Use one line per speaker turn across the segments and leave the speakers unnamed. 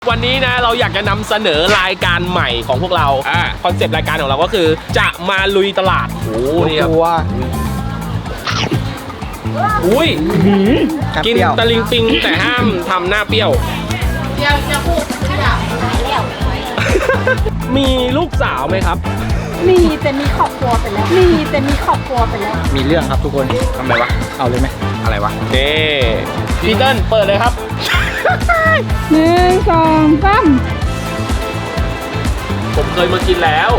วันนี้นะเราอยากจะนำเสนอรายการใหม่ของพวกเราคอนเซปต์รายการของเราก็คือจะมาลุยตลาดโอ้นี่ครับอุ้ยกินตะลิงปิงแต่ห้ามทำหน้าเปรี้ยวจะพูดแล้วมีลูกสาวไหมครับ
มีแต่มีครอบครัวไปแล้ว
มีเรื่องครับทุกคนทำไมวะเอาเลยไหมอะไรวะ
นี่พีเติ้ลเปิดเลยครับ
1 2 3
ผมเคยมากินแล้ว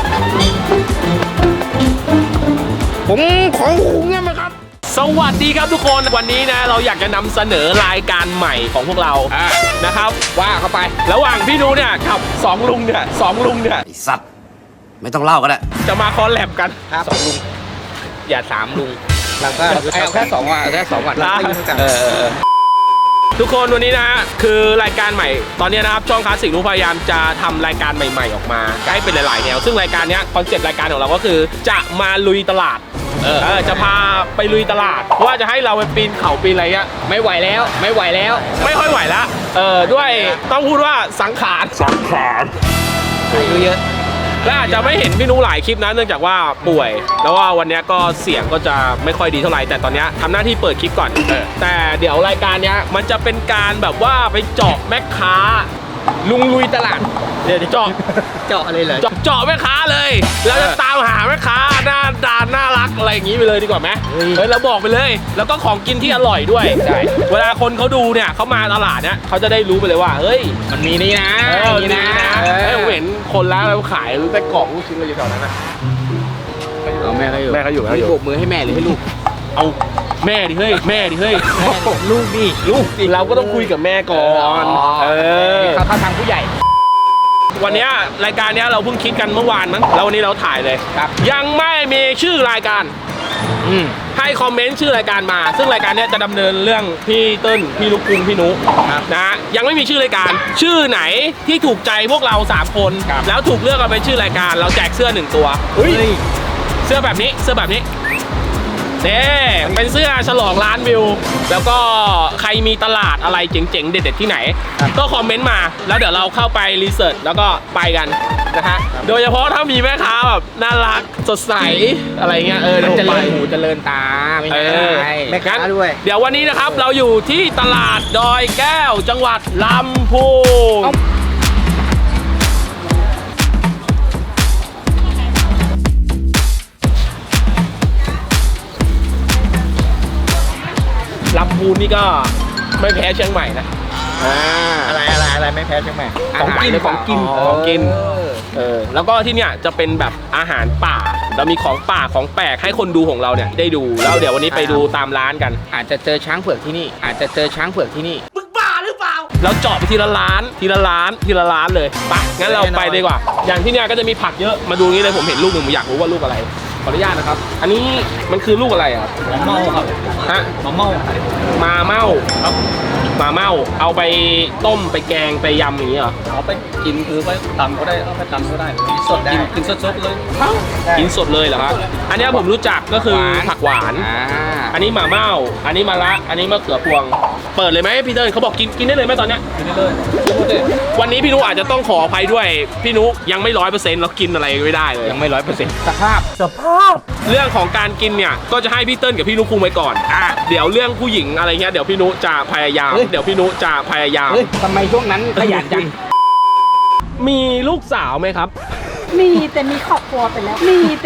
ผมของหูเงี้ยไหมครับสวัสดีครับทุกคนวันนี้นะเราอยากจะนำเสนอรายการใหม่ของพวกเรานะครับว่าเข้าไประหว่างพี่นูเนี่ยกับ2 ลุงเนี่ย
ไอสัตว์ไม่ต้องเล่าก็ได้
จะมาคอลแลบกัน
2 ลุง
อย่า3 ลุง
เราก็แค่2 วัน
ทุกคนวันนี้นะคือรายการใหม่ตอนนี้นะครับช่องคลาสสิกรู้พยายามจะทำรายการใหม่ๆออกมาให้เป็นหลายๆแนวซึ่งรายการนี้คอนเซ็ปต์รายการของเราก็คือจะมาลุยตลาดจะพาไปลุยตลาดว่าจะให้เราไปปีนเขาปีนอะไรเงี้ย
ไม่ไหวแล้วไม่ค่อยไหว
ละด้วยต้องพูดว่าสังขาร
เยอะ
และอาจจะไม่เห็นพี่นุหลายคลิปนะเนื่องจากว่าป่วยแล้วว่าวันนี้ก็เสียงก็จะไม่ค่อยดีเท่าไหร่แต่ตอนนี้ทำหน้าที่เปิดคลิปก่อนแต่เดี๋ยวรายการนี้มันจะเป็นการแบบว่าไปเจาะแม่ค้าลุงลุยตลาดเดี๋ยวเจาะ
อะไรเลย
เจาะแม่ค้าเลยแล้วจะตามหาแม่ค้าหน้าตาน่ารักอะไรอย่างนี้ไปเลยดีกว่าไหมเราบอกไปเลยแล้วก็ของกินที่อร่อยด้วยใช่เวลาคนเขาดูเนี่ยเขามาตลาดเนี่ยเขาจะได้รู้ไปเลยว่าเฮ้ย
มันมีนี่นะ
เห็นคนแล้วขายแต่กล่องลูกชิ้นอะไรอยู่แถวนั้นนะ
แม่เขาอยู่โบกมือให้แม่หรือให้ลูก
เอาแม่ดิเฮ้ย
ลูกดิ
เราก็ต้องคุยกับแม่ก่อน
เขาทางผู้ใหญ่
วันนี้รายการนี้เราเพิ่งคิดกันเมื่อวานมั้งแล้ววันนี้เราถ่ายเลยยังไม่มีชื่อรายการให้คอมเมนต์ชื่อรายการมาซึ่งรายการนี้จะดำเนินเรื่องพี่เติ้ลพี่ลูกกรุงพี่นุนะยังไม่มีชื่อรายการชื่อไหนที่ถูกใจพวกเรา3 คนแล้วถูกเลือกมาเป็นชื่อรายการเราแจกเสื้อ1 ตัวเสื้อแบบนี้เป็นเสื้อฉลองล้านวิวแล้วก็ใครมีตลาดอะไรเจ๋งๆเด็ดๆที่ไหนก็คอมเมนต์มาแล้วเดี๋ยวเราเข้าไปรีเสิร์ชแล้วก็ไปกันนะฮะโดยเฉพาะถ้ามีแม่ค้าแบบน่ารักสดใสอะไรเงี้ย
เจริญหูเจริญตาไม่ใช่แม่ค้าด้วย
เดี๋ยววันนี้นะครับเราอยู่ที่ตลาดดอยแก้วจังหวัดลำพูนลำพูนนี่ก็ไม่แพ้เชียงใหม่นะ
อะไรไม่แพ้เชียงใหม่
ของกินแล้วก็ที่เนี่ยจะเป็นแบบอาหารป่าเรามีของป่าของแปลกให้คนดูของเราเนี่ยได้ดูแล้วเดี๋ยววันนี้ไปดูตามร้านกัน
อาจจะเจอช้างเผือกที่นี่
มึงบ้าหรือเปล่าเราเจาะไปทีละร้านเลยปะงั้นเราไปดีกว่าอย่างที่เนี่ยก็จะมีผักเยอะมาดูนี้เลยผมเห็นลูกหนึ่งผมอยากรู้ว่าลูกอะไรขออนุญาตนะครับอันนี้มันคือลูกอะไรครับ
มาเม่าครับ
ฮะมาเม่าครับมาเม่าเอาไปต้มไปแกงไปยำอย่างนี้เหรอ
เอาไปกินคือไปตำก็ได้เอาไปตำก็ได้กินสดได้กินสดเลย
กินสดเลยเหรอครับอันนี้ผมรู้จักก็คือผักหวานอันนี้มาเม่าอันนี้มะระอันนี้มะเขือพวงเปิดเลยไหมพี่เติ้ลเขาบอกกินได้เลยไหมตอนเนี้ย
กินได้เลย
วันนี้พี่นุอาจจะต้องขออภัยด้วยพี่นุยังไม่100%เรากินอะไรไม่ได้เลย
ยังไม่100%สภาพ
เรื่องของการกินเนี่ยก็จะให้พี่เติ้ลกับพี่นุคุมไว้ก่อนเดี๋ยวเรื่องผู้หญิงอะไรเงี้ยเดี๋ยวพี่นุจะพยายาม
ทำไมช่วงนั้นขยันจัง
มีลูกสาวไหมครับ
มีแต่มีครอบครัวไปแล้ว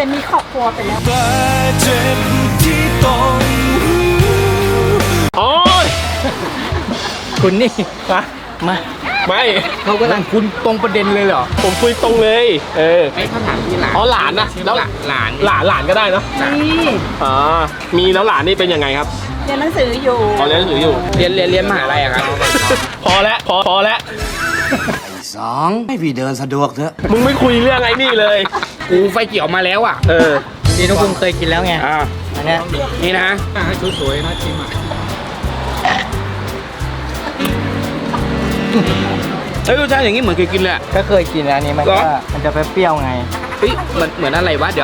โอ้ย
คุณนี่มา
ไม่
เขากำลังคุณตรงประเด็นเลยเหรอ
ผมคุยตรงเลย
ไอ้คำถามที่หลาน
หลานนะแล้วหลานก็ได้เนาะมีแล้วหลานนี่เป็นยังไงครับ
เรียนหนังสืออยู่
เรียนหนังสืออยู่
เรียนมหาลัยครับ
พอแล้ว
2ให้พี่เดินสะดวกเถอะ
มึงไม่คุยเรื่องไอ้นี่เลย
กูไฟเขียวมาแล้วอ่ะนี่น้องคุณเคยกินแล้วไงอันนี้นี่นะสวยๆนะชิมรสชาติอย่างนี้เหมือนเคยกินเลยก็เคยกินแล้วนี้มันจะเปรี้ยวไงเหมือนอะไรวะเดี๋ยว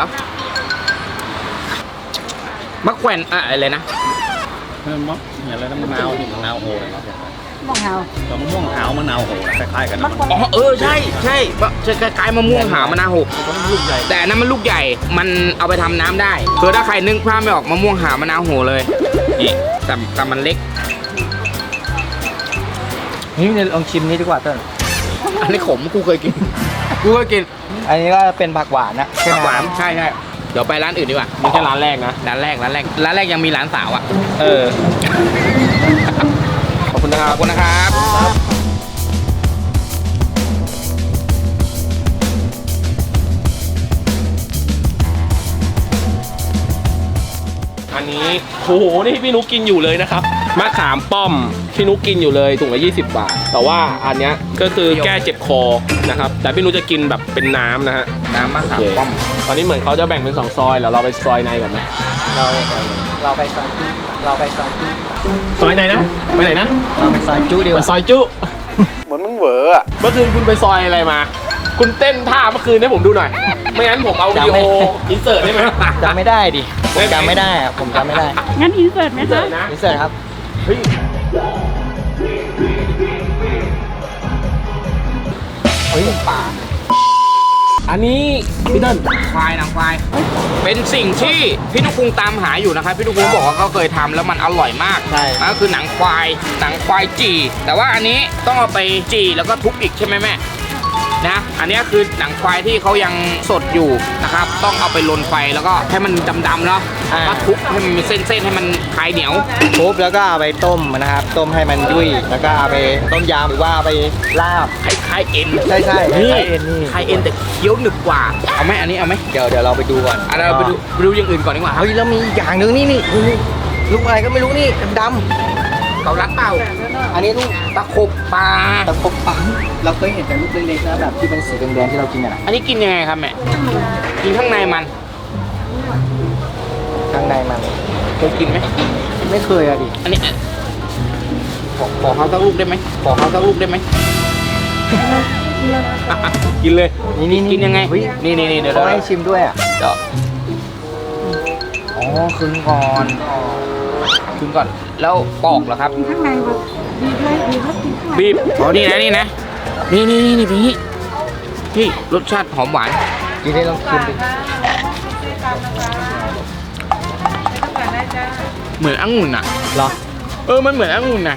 มะแขวนอะไรนะ
อะไรนะมะนาวโอ้
ม่วงหาว
ดอกมะม่วงหาวมะนาวโหคล้ายๆกัน
มะกรูด
อ๋อใช่จะคล้ายๆมะม่วงหาวมะนาวโหลูกใหญ่แต่อันนั้นมันลูกใหญ่มันเอาไปทำน้ำได้คือถ้าใครนึกภาพไม่ออกมะม่วงหาวมะนาวโหเลยนี่แต่มันเล็ก
นี่ลองชิมนี้ดีกว่าต้น
อันนี้ขมกูเคยกิน
อันนี้ก็เป็นผักหวานนะ
ผักหวานใช่เดี๋ยวไปร้านอื่นดีกว่า
นี่แค่ร้านแรกนะ
ร้านแรกยังมีร้านสาวอ่ะ
เออ ขอบคุณนะค
ข
รั
อ
บบ
คุณนะครับ
อันนี้โอ้โหนี่พี่นุกกินอยู่เลยนะครับมะขามป้อมพี่นุกกินอยู่เลยถุงละ20 บาท แต่ว่าอันเนี้ยก็คือแก้เจ็บคอนะครับแต่พี่นุกจะกินแบบเป็นน้ำนะฮะ
น้ำมะขาม
โอเค
ป้อม
ตอนนี้เหมือนเขาจะแบ่งเป็น2 ซอยแล้วเราไปซอยในก่อนไหม
เราไปซอยจุ
ซอยไหนนะไปไหนนะ
เราไปซอยจุดีก
ไป
ว่า
ซอยจุเหมือนมึงเหวออะเมื่อคืนคุณไปซอยอะไรมา คุณเต้นท่าเมื่อคืนให้ผมดูหน่อย ไม่งั้นผมเอาวิดีโออินเสิร์ตได้ไหม
จำไม่ได้ดิผมจำไม่ได้อะผมจำไม่ได้
งั้นอินเสิร์ตไหม
อินเสิ
คะ
ร์ตนะ
นี่เสร็จครับ
เฮ้ยป่าอันนี้พี่เติ้ล
ควายหนังควาย เป็นสิ่งที่พี่นุกคุงตามหาอยู่นะครับพี่นุกคุงบอกว่าเขาเคยทำแล้วมันอร่อยมาก
ใช่
นั่นก็คือหนังควายจี่แต่ว่าอันนี้ต้องเอาไปจี่แล้วก็ทุบอีกใช่ไหมแม่นะอันนี้คือหนังควายที่เขายังสดอยู่นะครับต้องเอาไปลนไฟแล้วก็ให้มันดำๆเนาะก็ทุบให้มันมีเส้นๆให้มันคลายเหนียว
ทุบแล้วก็เอาไปต้มนะครับ ต้มให้มันยุ่ยแล้วก็เอาไปต้มยำหรือว่าเอาไปลาบ
คล้ายๆเอ็น
ใช่ใช่
นี่
คล้ายๆเอ็นนี่
คล้ายเอ็นแต่เคี้ยวหนึบกว่าเอาไหมอันนี้เอาไหม
เดี๋ยวเราไปดูก่อน
อันเราไปดูอย่างอื่นก่อนดีกว่าครับ
เฮ้ยแล้วมีอีกอย่างหนึ่งนี่ลูกอะไรก็ไม่รู้นี่ดำ
เกาลัดเปล่า
ๆอันนี้ลูก
ตะขบปลา
ตะปบปังเราเคยเห็นแต่ลูกเล็กๆนะแบบที่เป็นสีแดงๆที่เรากินกันอะ
อันนี้กินยังไงครับแม่กินข้างในมัน
ข้างในมัน
เคยกินไหม
ไม่เคยอะดิ
อันนี้ขอเขาสักลูกได้ไหมขอเขาสักลูกได้ไหม
กินเลย
นี่
กินยังไง
เฮ้ย
นี่เดี๋ยว
เขาให้ชิมด้วยอ่ะ
อ๋อครึ่งก่อนครึ่งก่อน แล้วปอกเหรอครับ
ข้างในแบบดีด้วยดีก็กินข้างใน
บีบ
อ๋อนี่นะนี่เป็นอย่างนี้พี่รสชาติหอมหวาน
กินได้ลองชิมดิ
เหมือนองุ่นอ่ะ
เหรอ
มันเหมือนองุ่นนะ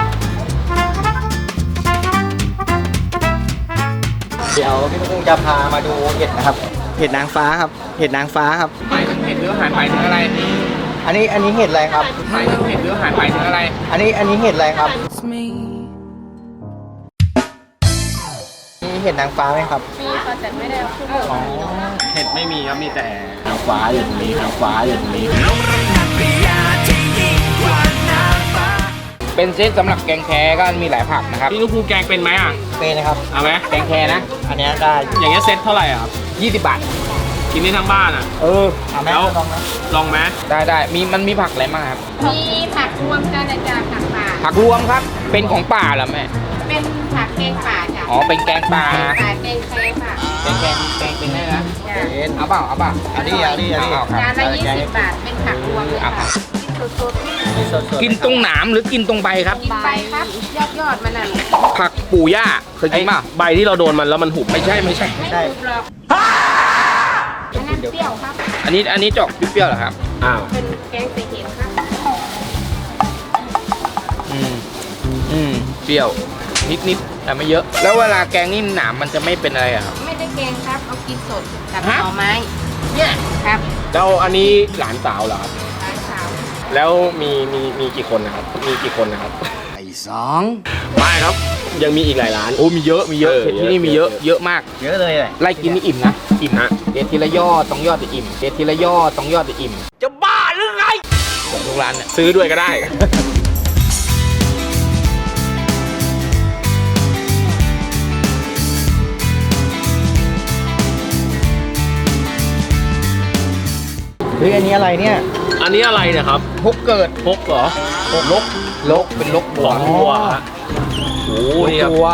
เดี๋ยวพี่ตุ้งจะพามาดูเห็ดนะครับ เห็ดนางฟ้าครับ เห็ดนางฟ้าครับ
หมายถึงเห็ดหรืออาหารหมายถึงอะไร
อันนี้เห็ดอะไรครับ
หมายถึงเห็ดหรืออาหารหมายถึงอะไร
อันนี้เห็ดอะไรครับนี่เห็ดนางฟ้าไหมครับ
มีค่ะแต่ไม่ได้เอาขึ้นมา
เห็ดไม่มีครับมีแต่หางฟ้าอยู่ตรงนี้หางฟ้าอยู่ตรงนี้
เป็นเซตสำหรับแกงแคก็มีหลายผักนะครับ
พี่นุกคูแกงเป็นไหมอ่ะ
เป็นนะครับ
เอาไหม
แกงแคนะ
อันนี้ได้อยู่
อย่างเงี้ยเซ็ตเท่าไหร่อ่ะครับ
20 บาท
กินได้ทั้งบ้านอ่ะ
เอาไหม
แล้ว
ลองไหม
ลองไหม
ได้มันมีผักอะไรบ้างครับ
มีผักรวมกันนะจ๊ะผักป่า
ผักรวมครับ เป็นของป่าเหรอแม่
เป็นผักแกงป่าจ้ะ
อ๋อ เป็นแกงป่า
ป่าแกงแคค่ะ
แกงเป็นได้นะ
จ้ะ
เป็น
เอาเปล่า
อันนี้
เอาครับ
จานละ20 บาท เป็นผักรวมเลยค่ะกินสด
นี่สดๆ
กินตรงหนามหรือกินตรงใบครับ
ๆกินไปครับ ยอดมันน่ะ
ผักปู่ย่าเคยกินเปล่า
ใบที่เราโดนมันแล้วมันหุบ
ไม่ใช่
ไม่ถูกหรอกอันนั้นเปรี้ยวครับ
อันนี้จอกเปรี้ยวๆเหรอครับ
อ้าว
เป็นแกงใส่เห็ดครับ
เปรี้ยว นิดแต่ไม่เยอะ แล้วเวลาแกงนี่หนามมันจะไม่เป็นอะไรอะครับ
ไม่ได้แกงครับ เอากินสดกับห
ฮะ
น่อไม้เนี่ยครับ
แล้วอันนี้หลานสาวเหรอครับ
ร้านสาว
แล้วมีกี่คนนะครับ มีกี่คนนะครับ
ไอ้สอง
ไม่ครับ ยังมีอีกหลายร้าน
โอ้มีเยอะที่นี่มีเยอะมาก
เยอะเลยแหละ
ไล่กินนี่อิ่มนะ
อิ่มฮะ
เด็ดทีละยอดต้องยอดจะอิ่มเด็ดทีละยอดต้องยอดจะอิ่ม จะบ้าหรือไงของทุกร้านเนี่ย
ซื้อด้วยก็ได้
เฮ้ยอันนี้อะไรเนี่ย
อันนี้อะไรเนี่ยครับ
พกเกิด
พกเหรอ
ลกเป็นลกบัว
ของวัวฮะโอ้โหนี่ครับ
ตัว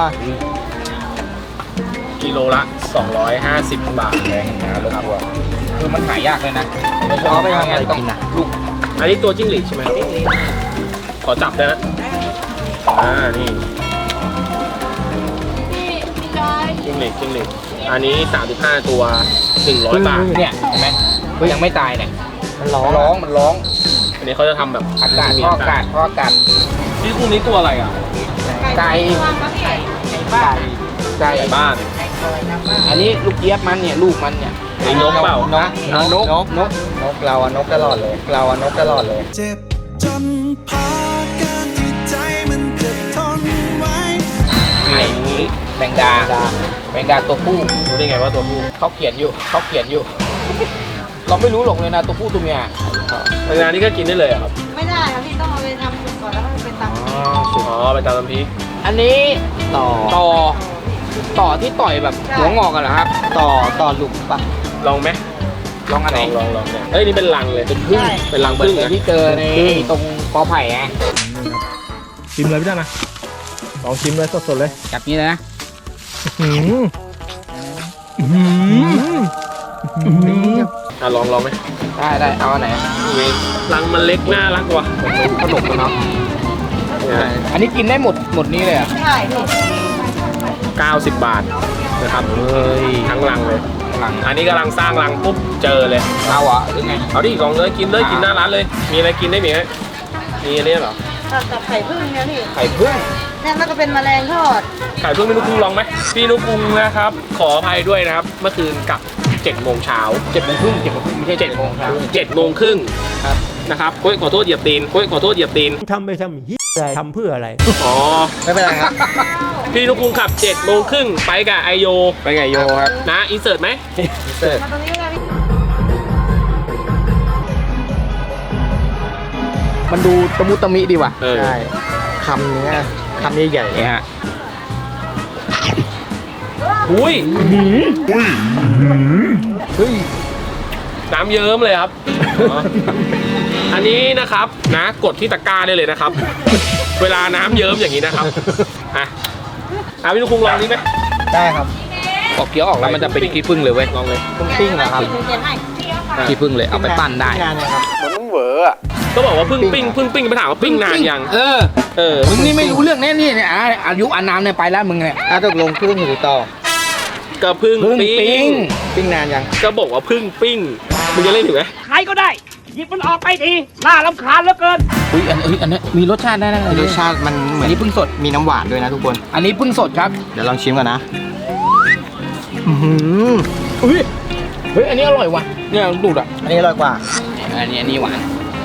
กิโลละ 250 บาท
แพงนะลกบัวคือมันหายากเลยนะ
เอาไปทำอะไรกินนะ
ลูก
อันนี้ตัวจิ้งหรีดใช่ไหมครับขอจับได้นะนี่จิ้งเหล็กอันนี้35ตัว100 บาท
เนี่ยเห็นไหมยังไม่ตายเนี่ย
มันร้อง
มันร้อง
อันนี้เขาจะทำแบบ
อากาศท่ออากาศท่ออากาศ
พี่กุ้งนี้ตัวอะไรอ่ะ
ไก่ไก่
ไก่บ้าน
อันนี้ลูกเจี๊ยบมันเนี่ยลูกมันเนี่ย
ไอ้นกเปล่า
นก
นกเราอะนกตลอดเลยเราอะนกตลอดเลย
เจ็บจนพอการที่ใจมันจะทนไว้
ไอ้นี้แมงดาตัวผู้
รู้ได้ไงว่าตัวผู้
เขาเขียนอยู่เราไม่รู้หรอกเลยนะตัวผู้ตัวเมีย
งานนี้ก็กินได้เลยเหรอครับ
ไม่ได้ครับพี่ต้องเอาไปทำสุกก่อนแล้วก็ไปตำ
อ๋อไปตามน้ำพริก
อันนี้
ต่อ
ต่อที่ต่อยแบบหัวงอกกันเหรอครับ
ต่อหลุมปะ
ลองไหม
ลองอันไหน
ลองเนี่ยเอ้ยนี่เป็นรังเลยเป็นพึ่งเป็นรัง
เหมือ
พึ่ง
น
นะ
ที่เจอในตรงกอไผ่ไง
ชิมเลยพี่ด้านะลองชิมเลยสดๆเลย
จับนี้เลยนะ
ลองไหม
ได้เอาอันไหน
รังมันเล็กน่ารักว่ะ
ขนมกันเนาะอันนี้กินได้หมดนี้เลยอ่ะ
ใช่พี่
90 บาทนะครับทั้งรังเลย
หลัง
อันนี้กำลังสร้างรังปุ๊บเจอเลย
เอาอ่ะหรือไง
เอาดิลองเลยกินเลยกินหน้าร้านเลย มีอะไรกินได้ไหมมีอันนี้เหรอ
กับไข่พึ่งเนี่ยพี่
ไข่พึ่ง
เนี่ยมันก็เป็นแมลงทอด
ขายเพิ่งพี่นุกุงลองไหมพี่นุกุงนะครับ ขออภัยด้วยนะครับ เมื่อคืนกลับ7 โมงเช้า
7 โมงครึ่งไม่ใช่7 โมงครับ
7 โมงครึ่งนะครับโอ้ยขอโทษเหยียบตีนโอ้ยขอโทษเหยียบตีน
ทำไปทำอะไรทำเพื่ออะไร
อ๋อ
ไม่เป็นไรครับ
พี่นุกุงขับ7 โมงครึ่งไปกับไอโย
ไปไงโยครับ
นะอินเสิร์ตไหม
มาตรงนี้เลยพี่
มันดูตะมุตะมิดีว่ะ
เออ
ใช่คำเนื้อคำใหญ่
เนี่ยฮะ
อุ้ย
เฮ้ย
น้ำเยิ้มเลยครับอ๋ออันนี้นะครับนะกดที่ตะกร้าได้เลยนะครับ เวลาน้ำเยิ้มอย่างนี้นะครับอ่ะพี่นุกุงลองนี้ไหม
ๆได้ครับ
ออกเคี้ยวออกแล้วมันจะเป็นขี้ผึ้งเลยเว้ย
ลองเลย
ต้องปิ้งเหรอครับ
หนูเขียนให้
ขี้ผึ้งเลยเอาไปปั้นได้
นานยังครับ
ก็บอกว่าเพิ่งปิ้งไปถามว่าปิ้งนานยัง
เออ มึงนี่ไม่รู้เรื่องแน่นี่เนี่ยอายุอานามเนี่ยไปแล้วมึงเนี่ย
ตกลงพึ่งหรือต่อ
ก็เพิ่ง
พึ่ง
ปิ้
ปิ้
ง
ง
ปิ้งนานยัง
ก็บอกว่าเพิ่งปิ้งมึงจะเล่นถึงไหม
ใครก็ได้ หยิบมันออกไปที น่ารำคาญเหลือเกิน
อุ้ยอันนี้มีรสชาติได้นะ
รสชาติมันเหมื
อั
อน น
นี้พึ่งสด
มีน้ำหวานด้วยนะทุกคน
อันนี้พึ่งสดครับ
เดี๋ยวลองชิมก่อนนะอื้อหือ
อุ้ยเฮ้ยอันนี้อร่อยว่ะเนี่ยดูดอ่ะ
อันนี้อร่อยกว่า
อันนี้หวาน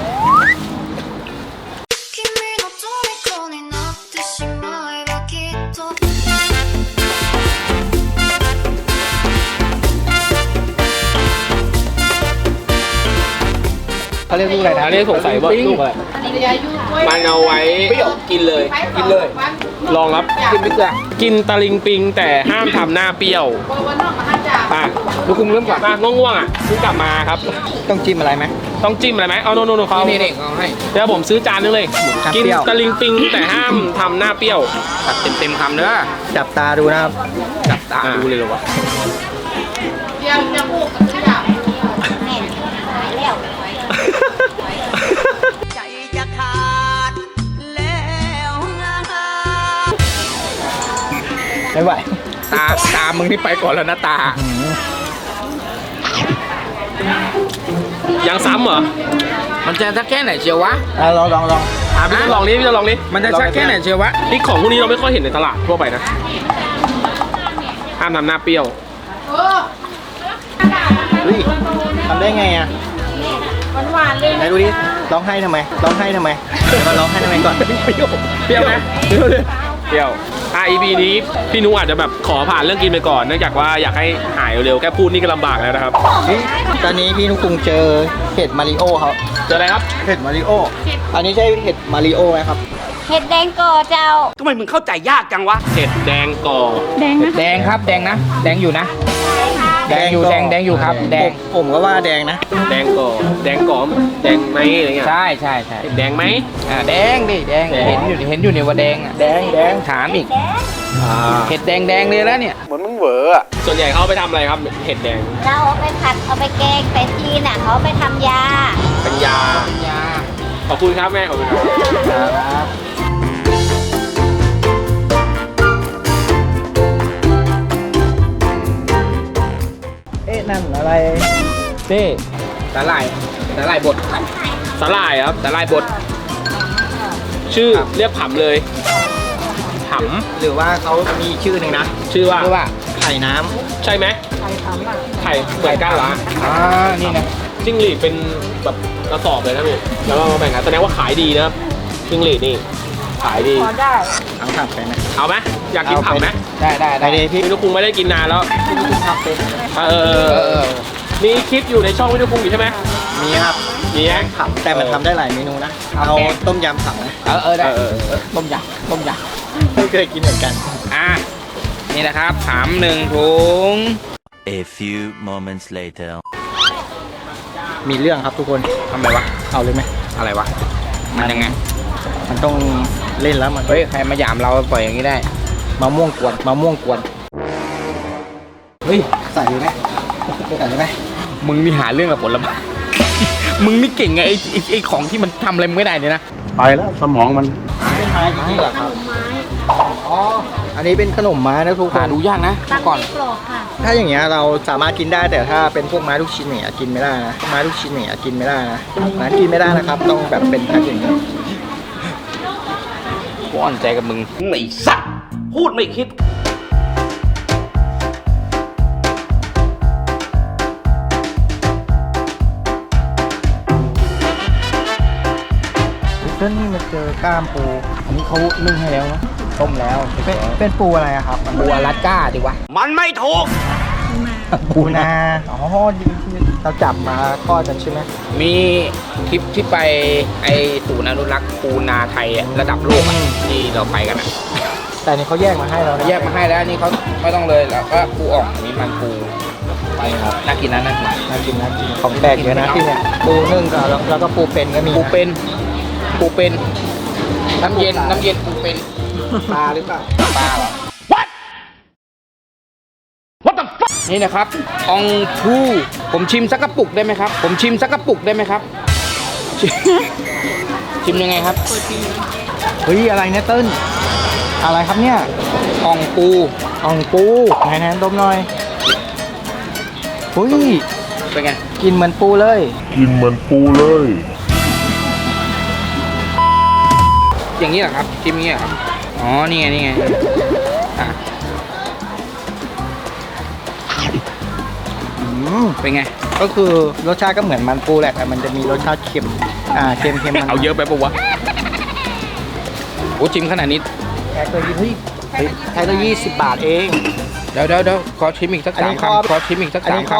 君の虜になってしまえばきっと
เขาเรียกลูกอะไรนะ
อันนี้สงสัยว่าลูกอะไรมันเอาไว้กินเลย ลองครับ
กินไปเกลือ
กินตะลิงปิงแต่ห้ามทำหน้าเปรี้ยวอ่ะ
ลูกคุมเริ่มก่อน
มาง่วงๆอ่ะเพิ่งกลับมาครับ
ต้องจิ้มอะไรไหม
ต้องจิ้มอะไรไหมเอาโน่นเขา
นี่เอาให้
เดี๋ยวผมซื้อจานนึงเลย
ครับ
กิน
เปรี้ยว
ตะลิงปิงแต่ห้ามทำหน้าเปรี้ยว
ตัดเต็มคำเด้อ
จับตาดูนะครับ
จับตาดูเลยเหรอวะ
ใจจะขาดแล้วนะ
ไม่ไหว
ตามึงนี่ไปก่อนแล้วนะตา
ยังซ้ำเหรอ
มันจะสักแค่ไหนเชียววะ
ลอง
พี่จะลองนี้พี่จะลองนี้
มันจะสักแค่ไหนเชียววะ
นี่ของพวกนี้เราไม่ค่อยเห็นในตลาดทั่วไปนะห้ามทำหน้าเปรี้ยว
เฮ้ยทำได้ไงอ่ะ
หวานๆเลย
ไหนดูดิร้องไห้ทำไมเดี๋ยวมาร้องไห้ทำไมก่อน
เปรี้ยวไหมเปรี้ยวเลยเปรี้ยวEP นี้พี่นุอาจจะแบบขอผ่านเรื่องกินไปก่อนเนื่องจากว่าอยากให้หายเร็วๆแค่พูดนี่ก็ลำบากแล้วนะครับ
นี่ตอนนี้พี่นุกคุงเจอเห็ดมาริโอครับ
เจออะไรครับ
เห็ดมาริโอ อันนี้ใช่เห็ดมาริโอไหมครับ
เห็ดแดงก่อเจ้า
ทำไมมึงเข้าใจยากจังวะ
เห็ดแดงก่อ
แดงครับแดงนะ แดงอยู่นะ แดงอยู่ครับ แดง
ผมก็ว่าแดงนะ
แดงก่อแดงก่อมแดงไหมอะไรเงี้ย
ใช่
เห็ดแดงไหม
แดงดิแดงเห็นอยู่เนี่ยว่าแดงอ่ะแดงถามอีกเห็ดแดงเลยแล้วเนี่ย
ส่วนใหญ่เขาเอาไปทำอะไรครับเห็ดแดง
เราเอาไปผัดเอาไปแกงแต่จีนอ่ะเขาเอาไปทำยา
เป็นยา
ยา
ขอบคุณครับแม่ขอบคุณครับนี่
สาหร่ายบด
สาหร่ายครับ
สาหร่ายบด
ชื่อเรียกผำเลยผ
หรือว่าเขามีชื่อหนึ่งนะ
ำชื่อว่า
เรียกว่า
ไข่น้ำ
ใช่ไหมไข่ผำอ่ะไข่เหมือนกันเหรอ
นี่นะ
จิ้งหรีดเป็นแบบกระสอบเลยนะพี่แล้วก็มาแบ่งกันแสดงว่าขายดีนะครับจิ้งหรีดนี่ขายดี
เอาผักไปนะ
เอาไหมอยากกินผำไหม
ได้
ไปเลยพี่
พี่นุคุงไม่ได้กินนานแล้ว
ทำเป็น
มีคลิปอยู่ในช่องพี่นุคุงอยู่ใช่ไหม
มีครับ
มีไหม
ผักแต่มันทำได้หลายเมนูนะ เอาต้มยำผักนะ
ได้
ต้มยำไม่เคยกินเหมือนกัน
นี่นะครับถาม1 ถุง
A few moments later.
มีเรื่องครับทุกคน
ทำไมวะ
เอาเลยไหม
อะไรวะ มันยังไง
มันต้องเล่นแล้วมัน
เฮ้ย ใครมาหยามเราปล่อยอย่างนี้ได้
มะม่วงกวนเฮ้ยใส่เลยไหมใส่เลยไหม
มึงนี่หาเรื่องกับผลไม้ มึงนี่เก่งไงไอ้ของที่มันทำอะไรมึงไม่ได้เนี่ยนะ
ไปแล้วสมองมัน
เป็นไม้จริงๆเหรอครับอ๋ออันนี้เป็นขนมไม้นะทุกค
หาน ดูยากนะ
ตั้ง
ก่อน
ที่กรอบค่ะ
ถ้าอย่างเงี้ยเราสามารถกินได้แต่ถ้าเป็นพวกไม้ลูกชิ้นเนี่ยกินไม่ได้นะไม้ลูกชิ้นเนี่ยกินไม่ได้นะนะกินไม่ได้นะครับ ต้องแบบเป็นแพ็คอย่างนี้
กูอ่อนใจกับมึง
ไอ้สัตว์พูดไม่คิด
เจ้านี่มาเจอกล้ามปู อันนี้เขานึ่งให้แล้วนะ
ต้มแล้ว
เป็นปูอะไรอะครับ
ปูอลาสก้าดีวะ
มันไม่ถูก
ปูนาอ๋อที่เราจับมาทอดกันใช่ไหม
มีคลิปที่ไปไอศูนย์อนุรักษ์ปูนาไทยอะระดับโลกอะที่เราไปกันอะ
แต่นี่เขาแยกมาให้เรานะ
แยกมาให้แล้วนี่เขาไม่ต้องเลยแล้วก็ปูอ่องอันนี้มันปู
ไปครับ
น่ากินนะน่ากิน
น่ากินน่ากินของแปลกเยอะนะที่เนี่ยปูนึ่งกับแล้วก็ปูเป็นก็มี
ปูเป็นน้ำเย็นปูเป็น
ปลาหรือเปล่า
ปลาเหรอ นี่นะครับอองพูผมชิมสักกระปุกได้ไหมครับ ชิมยังไงครับ
เฮ้ยอะไรเนี่ยเติ้ลอะไรครับเนี่ย
อองปู
อ่องปูไหนๆดมหน่อยอุ้ย
เป็นไง
กินเหมือนปูเลย
อย่างนี้เหรอครับชิมอย่างนี้เหรอครับอ๋อนี่ไงอ่ะ เป็นไง
ก็คือรสชาติก็เหมือนมันปูแหละแต่มันจะมีรสชาติเค็มเค็มมัน
เอาเยอะไปปะวะโอ้ชิมขนาดนี้
แพ็คเลยเฮ้ยแพ็คละ20 บาทเอง
เดี๋ยวขอชิมอีกสัก
อันนี้
3
ข้อ
คำขอชิมอีกสัก
อัน
3
นี้
ค
ข้อ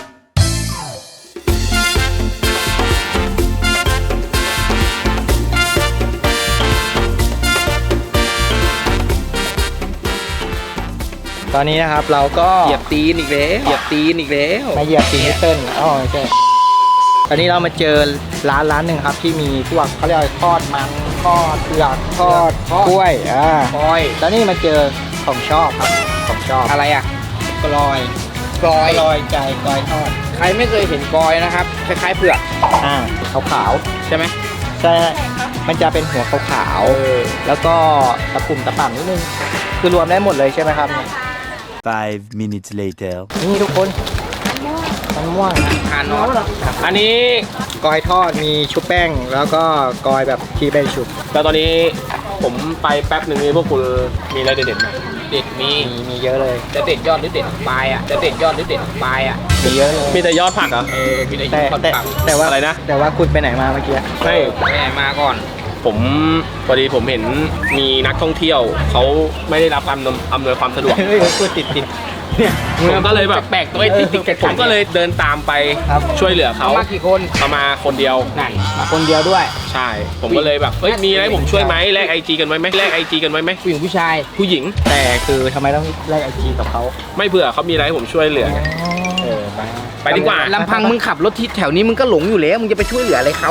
ตอนนี้นะครับเราก็
ำเหยียบตีนอีกแล้ว
มาเหยียบตีนิเติ้ลอ๋อไม่ใช่ตอนนี้เรามาเจอร้านหนึ่งครับที่มีพวกเขาเรียกว่าทอดมันทอดเผือกทอดกล้วย
กอย
แล้วนี่มาเจอของชอบครับของชอบ
อะไรอ่ะ
กลอย
กอย
กลอยใจกลอยทอด
ใครไม่เคยเห็นกอยนะครับคล้ายๆเผือก
ขาว
ใช่ไหม
ๆใช่มันจะเป็นหัวขาวๆแล้วก็ตะปุ่มตะป่ำนิดนึงคือรวมได้หมดเลยใช่ไหมครับ
5 minutes later.
นี่ทุกคนมันม่วงนะ
ทานนอน
อันนี้
กอยทอดมีชุบแป้ง แล้วก็กอยแบบที่ไม่ชุบ
แล้วตอนนี้ผมไปแป๊บหนึ่งนี้พวกคุณมีอะไรเด็ดๆไหม
เด็ดมี
มีเยอะเลย
จะเด็ดยอดหรือเด็ดปลายอ่ะจะเด็ดยอดหรือเด็ดปลายอ่ะ
มีเยอะเลย
มีแต่ยอดผักเหรอ
มีแต่ย
แต่
อด
แต่
ปัก
แต่ว่า
อะไรนะ
แต่ว่าคุณไปไหนมาเมื่อกี้
ไม่
ไปไหนมาก่อน
ผมพอดีผมเห็นมีนักท่องเที่ยวเขาไม่ได้รับอำนวยความสะดวก
เฮ้ยพูดติดเนี่ย
ผมก็เลยแบบ
แปลกๆตัวไอ้ติ๊กๆกัดๆ
ผมก็เลยเดินตามไป
ครับ
ช่วยเหลือ
เขา
เขา
มากี่คน
เขามาคนเดียว
นั่นมาคนเดียวด้วย
ใช่ ผมก็เลยแบบเอ้ยมีอะไรให้ผมช่วยไหมแลกIG กันไว้ไหม
ผู้หญิงผู้ชาย
ผู้หญิง
แต่คือทำไมต้องไล่ไอจีกับเขา
ไม่เผื่อเขามีอะไรให้ผมช่วยเหลือไงไปดีกว่า
ลำพังมึงขับรถที่แถวนี้มึงก็หลงอยู่แล้วมึงจะไปช่วยเหลืออะไรเขา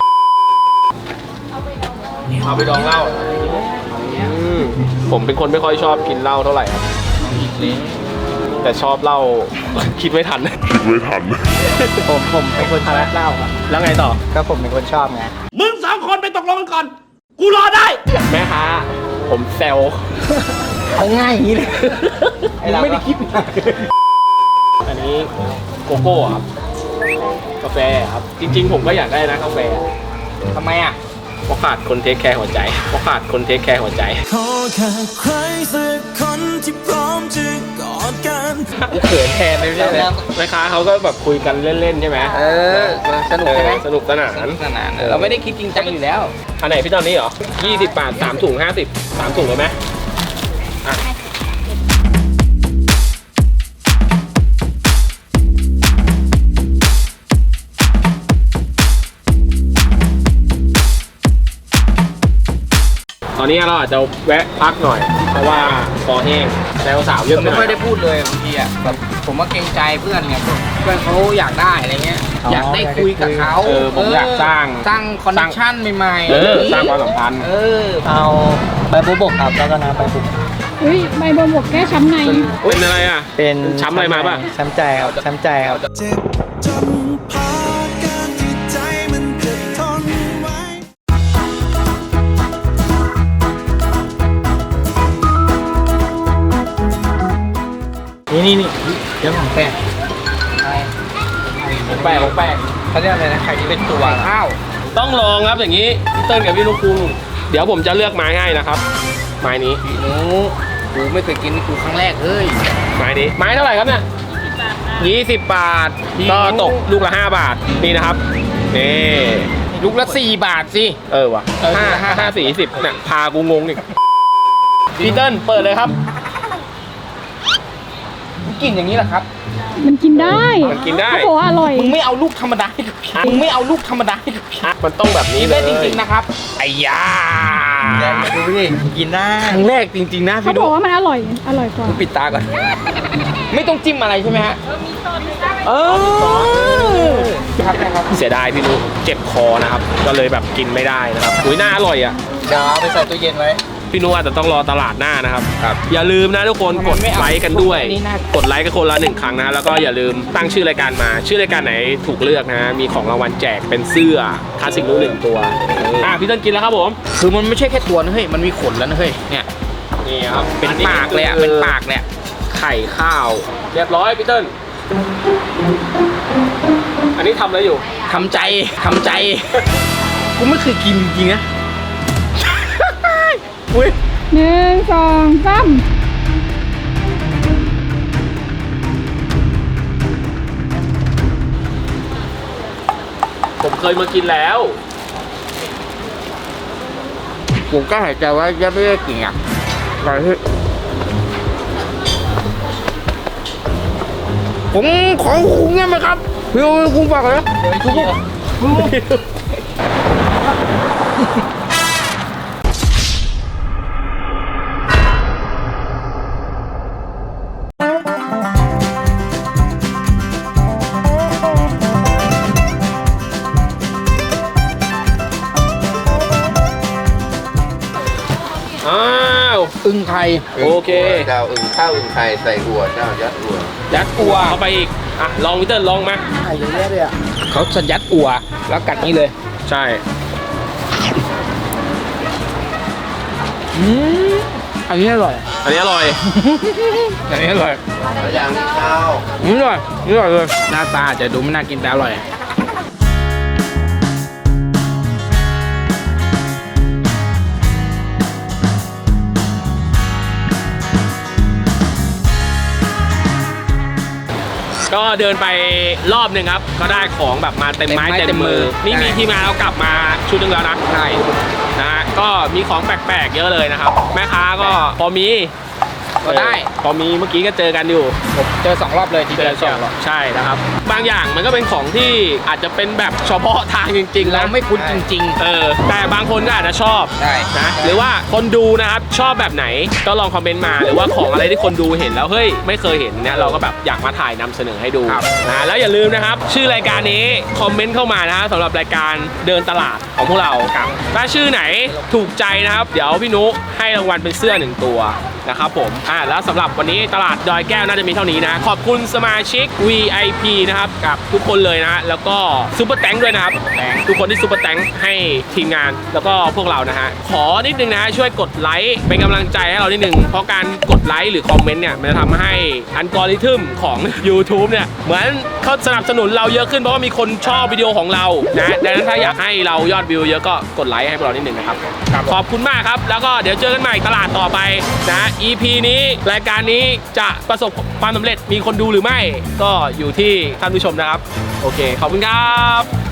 เอาไปดองเหล้าผมเป็นคนไม่ค่อยชอบกินเหล้าเท่าไหร่ครับแต่ชอบเหล้า คิดไม่ทัน
ผมเป็นคนทานเหล้าครับ
แล้วไงต่อ
ก็ผมเป็นคนชอบไง
มึง2 คนไปตกลงกันก่อน กูรอได้
แม่ค้าผมแซว
เอาง่ายอย่างนี้เลย
มึงไม่ได้คิด
อันนี้โกโก้ครับกาแฟครับ จริงๆ ผมก็อยากได้นะกาแฟ
ทำไมอ่ะ
เพราะขาดคนเทคแคร์หัวใจเพราะขาดคนเทคแคร์หัวใจ
ขอแค่ใครสักคนที่พร้อมจะกอดกัน
กูเขินแทนเลยไม่ใช่เลย
แม่ค้าเขาก็แบบคุยกันเล่นๆใช่ไหม
สนุกใช่ไหม
สนุกสนาน
สนุกสนานเราไม่ได้คิดจริงจังอยู่แล้ว
อันไหนพี่ตอนนี้เหรอ20 บาท3ถุง50 3ถุงเลยไหมอ่ะตอนนี้เราอาจจะแวะพักหน่อย เพราะว่าคอแห้งแล้วสาวเย
ผ
อะ
ม
ห
ไม่
น่
ค่
อ
อย
ย
ได้พูดเลยบางทีอ่ะแบบผมว่าเกรงใจเพื่อนไงเพื่อนเขาอยากได้อะไรเงี้ยอยากได้คุยกับเขา
ผมอยากสร้าง
คอนเนคชั่นใหม่ๆ
สร้างความสัมพันธ์
เอาใบบัวบกครับแล้วก็น้ำใบบุก
อุ้ยใบบัวบกแก้ช้ำใน
เป็นอะไรอ่ะ
เป็น
ช้ำอะไรมาป่ะ
ช้ำใจครับช้ำใจครับ
เจ็บจนพาการที่ใจมันจะทนไว้
นี่เรื่องของแป้ง
ของแปลกของแปลก
เขาเรียกอะไรนะไข่ที่เป็นตัว
ข้าว
ต้องลองครับอย่างนี้พี่เติ้ลกับพี่ลูกคุงเดี๋ยวผมจะเลือกไม้ให้นะครับ ไม้นี้
หนูกูไม่เคยกินกูครั้งแรกเฮ้ย
ไม้นี้ไม้เท่าไหร่ครับเนี่ย20 บาทก็ตกลูกละ5 บาทนี่นะครับนี่
ลูกละ4 บาทสิ
ว่ะ5 4 10เนี่ยพากูงงอีกพี่เติ้ลเปิดเลยครับ
กินอย่างนี้แหละครับ
มันกินได้
มันกินได้
เขาบอกว่าอร่อย
มึงไม่เอาลูกธรรมดาให้กับพี่มึงไม่เอาลูกธรรมดาให้กับพี่
มันต้องแบบนี้
กิน
เล
ได้
ย
จริงๆนะครับไอ้ยา
ดูดิกินได้
ครั้งแรกจริงๆนะ
เขา
พี่
บ
ดุ
อกว่ามันอร่อยกว่า
ปิดตาก่อน ไม่ต้องจิ้มอะไรใช่ไหมฮะเออครับ
เสียดายพี่นุเจ็บคอนะครับ ก็เลยแบบกินไม่ได้นะครับอุ้ยน่าอร่อยอ่ะ
เดี๋ยวเอาไปใส่ตู้เย็นไว้
พี่นุอาจจะต้องรอตลาดหน้านะครับ อย่าลืมนะทุกคนกดไลค์กันด้วย กดไลค์กันคนละ1 ครั้งนะ แล้วก็อย่าลืมตั้งชื่อรายการมา ชื่อรายการไหนถูกเลือกนะ มีของรางวัลแจกเป็นเสื้อคลาสสิกรู้1 ตัวพี่ต้นกินแล้วครับผม
คือมันไม่ใช่แค่ตัวนะเฮ้ยมันมีขนแล้วนะเฮ้ยเนี่ย
นี่ครับ
เป็นปากเลยอ่ะเป็นปากเลยอะ
ไข่ข้าว เรียบร้อยพี่เติ้ลอันนี้ทำอะไรอยู่
ทำใจกูไม่เคยกินจริงๆนะอุ้ย
1 2 3
ผมเคยมากินแล้ว
ผมก็หายใจว่าจะไม่ได้กินอ่ะอะไรที่ผมขอคุ้งได้ไหมครับพี่คุ้งฝากเลย
อ้าว
อึ่งไทย
โอเค
เจ้าอึ่งข้าวอึ่งไข่ใส่อัวเจ้ายัดอัว
ยัดอัวเข้าไปอีกอ่ะลองพี่เติ้ลลองมา
ไข่เยอะแยะเลยอ่ะ
เขาจะยัดอัวแล้วกัดนี้เลย
ใช่
อันนี้อร่อย
อันนี้อร่อย
อันนี้อร่อย
แล้วอย่างนี้ข้าว
อร่อยเลยหน้าตาจะดูไม่น่ากินแต่อร่อย
ก็เดินไปรอบหนึ่งครับ ก็ได้ของแบบมาเต็มไม้เต็มมือ นี่มีทีมงานเรากลับมาชุดหนึงแล้วนะ
ใช่
นะฮะก็มีของแปลกๆเยอะเลยนะครับ แม่ค้าก็พอมี
ก็ได้
พอมีเมื่อกี้ก็เจอกันอยู่
ผมเจอ2 รอบเลยที
เจ
เดี
อ
ยว
สองใช่นะครับ บางอย่างมันก็เป็นของที่อาจจะเป็นแบบเฉพาะทางจริงๆ
เรา
นะ
ไม่คุ้นจริง
แต่บางคนก็อาจจะชอบ
ใช่
นะหรือว่าคนดูนะครับชอบแบบไหนก็ลองคอมเมนต์มาหรือว่าของอะไรที่คนดูเห็นแล้วเฮ้ยไม่เคยเห็นเนี่ยเราก็แบบอยากมาถ่ายนำเสนอให้ดูนะแล้วอย่าลืมนะครับชื่อรายการนี้คอมเมนต์เข้ามานะสำหรับรายการเดินตลาดของพวกเราถ้าชื่อไหนถูกใจนะครับเดี๋ยวพี่นุให้รางวัลเป็นเสื้อ1 ตัวนะครับผมแล้วสำหรับวันนี้ตลาดดอยแก้วน่าจะมีเท่านี้นะขอบคุณสมาชิก VIP นะครับกับทุกคนเลยนะแล้วก็ซุปเปอร์แตงด้วยนะครับทุกคนที่ซุปเปอร์แตงให้ทีมงานแล้วก็พวกเรานะฮะขอนิดนึงนะช่วยกดไลค์เป็นกำลังใจให้เรานิดนึงเพราะการกดไลค์หรือคอมเมนต์เนี่ยมันจะทำให้อัลกอริทึมของ YouTube เนี่ยเหมือนเขาสนับสนุนเราเยอะขึ้นเพราะว่ามีคนชอบวิดีโอของเรานะดังนั้นถ้าอยากให้เรายอดวิวเยอะก็กดไลค์ให้พวกเรานิดนึงนะครับขอบคุณมากครับแล้วก็เดี๋ยวเจอกันใหม่ตลาดต่อไปนะ EP นี้รายการนี้จะประสบความสำเร็จมีคนดูหรือไม่ก็อยู่ที่ท่านผู้ชมนะครับโอเคขอบคุณครับ